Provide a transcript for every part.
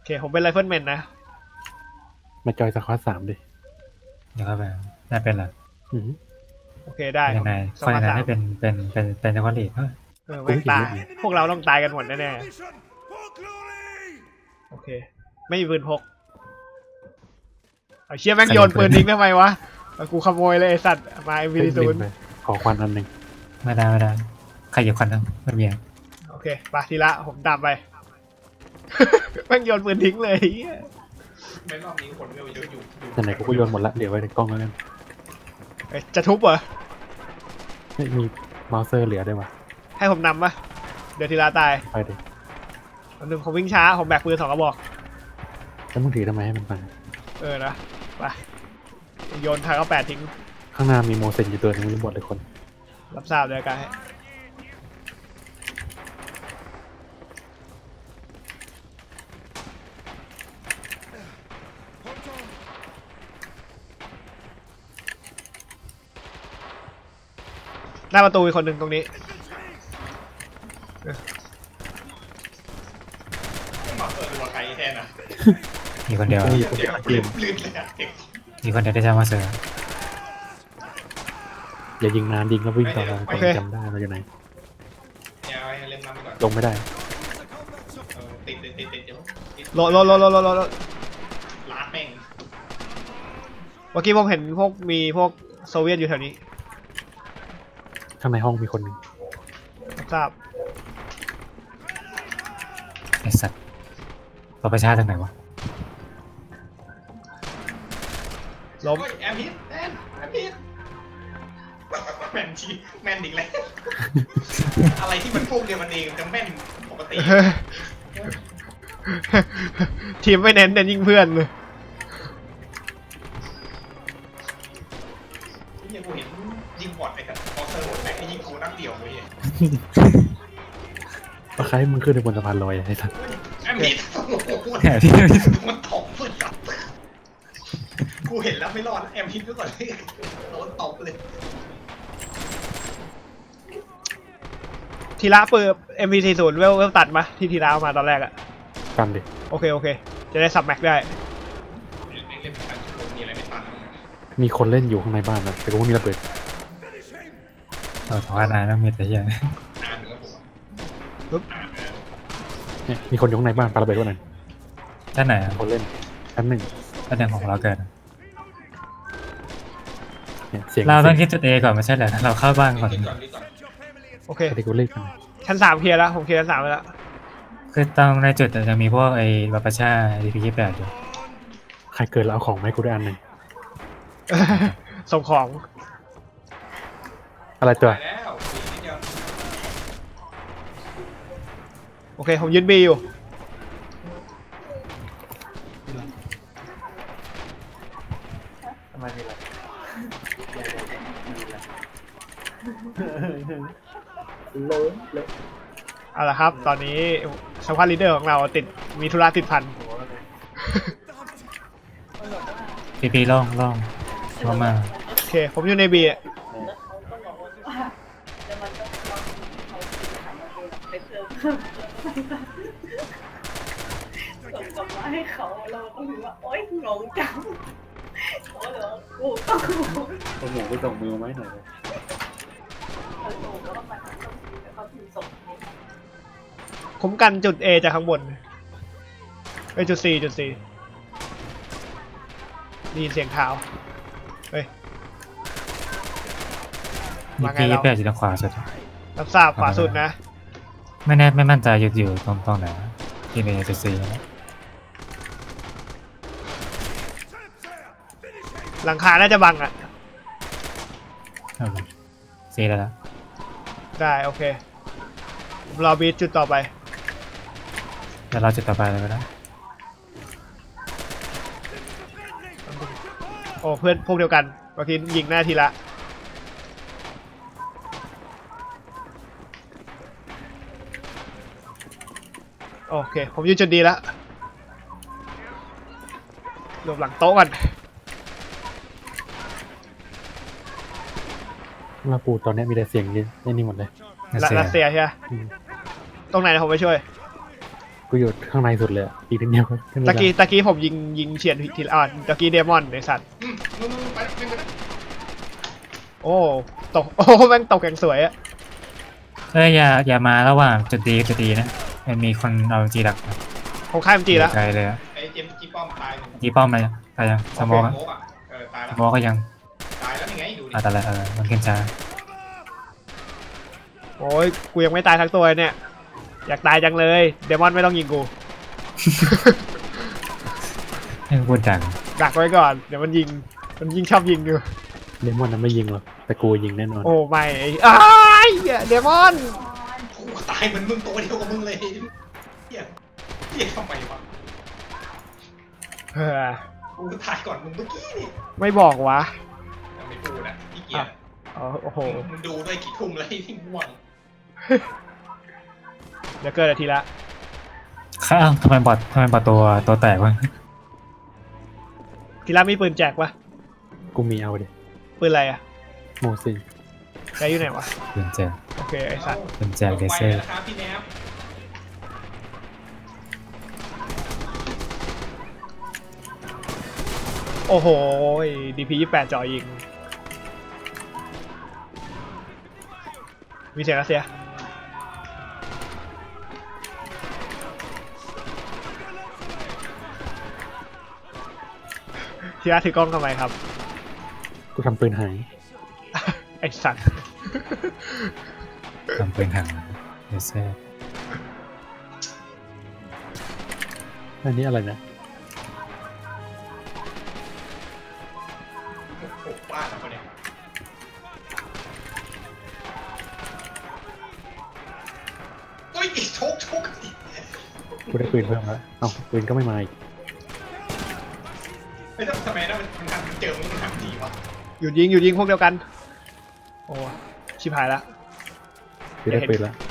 ผมเป็นไรเฟิลแมนนะมาจอยสควอต3ดิเดี๋ยวเข้าไปน่าเป็นเหรอโอเคได้ยังไงคนยังไงให้เป็นจังหวัดลีดไม่ตายพวกเราต้องตายกันหมดแน่ๆโอเคไม่มีปืนพกเชี่ยแม่งโยนปืนทิ้งทำไมวะกูขโมยเลยไอสัตว์มาMP0 ขอควันอันหนึ่งไม่ได้ใครหยิบควันทั้งไม่มีโอเคไปทีละผมตามไปแม่งโยนปืนทิ้งเลยไม่รอบนี้คนเยอะอยู่ไหนๆกูก็โยนหมดละเดี๋ยวไว้ในกล้องแล้วกันจะทุบเหรอไม่มีเมาส์เซอร์เหลือได้ปะให้ผมนำปะเดี๋ยวทีละตายไปดิอันหนึ่งผมวิ่งช้าผมแบกปืน2 กระบอกแล้วมึงถือทำไมให้มันฟังนะไปโยนทาง98ทิ้งข้างหน้ามีโมเซนอยู่ตัวนึงรู้หมดเลยคนรับทราบเลยกันหน้าประตูอีกคนหนึ่งตรงนี้มาเปิดตัวใครแทนอ่ะมีคนเดียวมีคนเดียวเกมลื่นเลยอ่ะมีคนเดียวได้จะมาเสืออย่ายิงนานยิงแล้ววิ่งต่อไปจำได้มาจากไหนเล่นน้ำไปก่อนลงไม่ได้ติดเดี๋ยวรถลาดแม่งเมื่อกี้ผมเห็นมีพวกโซเวียตอยู่แถวนี้ข้างในห้องมีคนหนึ่งทราบไอสัตว์เราประชาทางไหนวะล้มแอมพิษแม่นชีแม่นอีกแล้วอะไรที่มันพวกเดียวมันเองจะแม่นปกติทีมไม่เน้นยิงเพื่อนเลยนี่กูเห็นยิงบอดไปกับพอเซอร์บอดแม่งยิงกูนักเดี่ยวเลยปะใครมึงขึ้นในบนสะพานลอยไอ้สัสแอมพิษแหมที่มันตบเลยครับกูเห็นแล้วไม่รอดแอมพิษก็ก่อนเลยโดนตบเลยทีละเปิด MP40 เวลตัดมาที่ทีละเอามาตอนแรกอะกันดิโอเคจะได้สับแม็กได้มีคนเล่นอยู่ข้างในบ้านนะแต่กูไม่มีระเบิดเพราะว่านายต้องมีแต่ยังเนี่ยมีคนอยู่ข้างในบ้านปาระเบิดด้วยนั่นท่านไหนคนเล่นชั้น1 ท่านหนึ่งของเราเกิดเนี่ยเสียงเราต้องคิดจุด A ก่อนไม่ใช่เหรอเราเข้าบ้านก่อนโอเคที่กูเล่นกันชั้น3เคลียร์แล้วผมเคลียร์ชั้น3ไปแล้วคือต้องในจุดจะมีพวกไอ้บัพชา DP28อยู่ใครเกิดแล้วเอาของไหมกูได้อันหนึ่งส่งของอะไรตัวโอเคผมยืนบีอยู่ทำไมมีอะไรเอาละครับตอนนี้สควอตลีดเดอร์ของเรามีธุระติดพันปีล่องมาโอเคผมอยู่ในบีส่งกลับมาให้เขาเราต้องรู้ว่าโอ๊ยงงจังเขาเลยว่ากูต้องงงผมหมูไปส่งมือไหมหน่อยคุ้มกันจุด A จากข้างบนจุด C ได้ยินเสียงเท้าเฮ้ยมาไงเรา8อยู่ทางขวาสุดรับทราบขวาสุดนะไม่มั่นใจอยู่ตรงไหนที่เป็นจุด C หลังคาน่าจะบังอ่ะ C แล้วได้โอเครอบีทจุดต่อไปเดี๋ยวเราจุดต่อไปเลยก็ได้โอ้เพื่อนพวกเดียวกันเมื่อกี้ยิงหน้าทีละโอเคผมยืนจุดดีแล้วหลบหลังโต๊ะก่อนมาปูตอนนี้มีแต่เสียงนี่หมดเลยรัสเซียใช่ไหมตรงไหนนะผมไปช่วยกูอยู่ข้างในสุดเลยอะอีกนิดเดียวก็ขึ้นไม่ตะได้กี้ผมยิงเฉียดทีละตะกี้เดมอนไอสัตว์มึงไปวิ่งไปนะโอ้ตกโอ้แม่งตกอย่างสวยอะอย่ามาระหว่างจุดดีนะมันมีคนเอาจีดักนะผมข้ามจีแล้วไกลเลยอะไอ้เจมส์จีป้อมตายหนึ่งจีป้อมอะไรตายยังสมองอะโมกอ่ะตายสแล้วมองก็ยังตายแล้วยังไงดูดิตายแล้วมันขึ้นช้าโอ้ยกูยังไม่ตายทั้งตัวเลยเนี่ยอยากตายจังเลยเดมอนไม่ต้องยิงกูให้พูดดังดักไว้ก่อนเดี๋ยวมันยิงชอบยิงอยู่เดมอนนั้นไม่ยิงหรอกแต่กูยิงแน่นอนโอ้ไม่อ้ายเดมอนกูตายเหมือนมึงตัวเดียวกับมึงเลยเฮียเฮียทำไมวะเฮ้อกูตายก่อนมึงเมื่อกี้นี่ไม่บอกวะยังไม่พูดนะพี่เกียร์อ๋อโอ้โหมึงดูด้วยกี่ทุ่มแล้วที่ง่วงเดี๋ยวเกิดนาทีละข้าวทำไมบอทตัวแตกวะทีละมีปืนแจกวะกูมีเอาดิปืนอะไรอะโมซินใช้อยู่ไหนวะเป็นแจกโอเคไอสัตว์เป็นแจกเลเซอร์นะครับพี่แนบโอ้โหDP 28จ่อยิงมีเสียงรัสเซียทีละถือกล้องทำไมครับกูทำปืนหายไอสัตว์ทำเป็นถังเลเซอร์อันนี้อะไรนะโอ้โหบ้าแล้วเนี่ยโอ้ยชกกูได้ปืนเพิ่มแล้วเอ้าปืนก็ไม่มาอีกไม่ต้องทำไมนะมันทำเจอมึงทำดีวะหยุดยิงพวกเดียวกันโอ้ชิบหายละกูได้ปืนแล้ว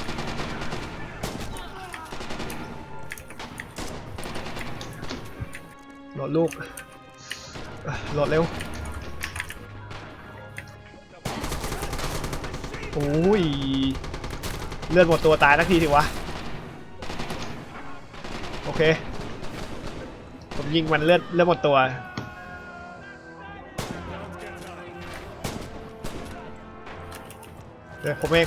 โหลดลูกโหลดเร็วโอ้ยเลือดหมดตัวตายทักทีสิวะโอเคผมยิงมันเลือดหมดตัวเดี๋ยวผมเอง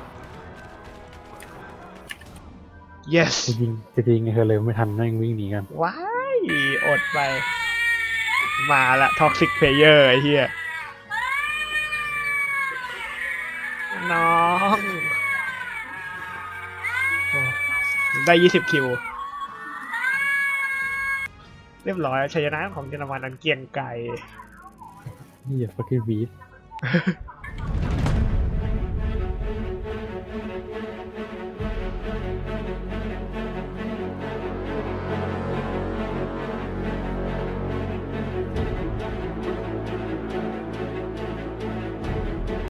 yes จะยิงไงเธอเลยไม่ทันแม่งวิ่งหนีกันว้ายอดไปมาละท็อกซิกเพลเยอร์ไอ้เหี้ยน้องโอ้ได้20คิวเรียบร้อยชัยชนะของเยอรมันอันเกรียงไกรนี่อย่า fucking beat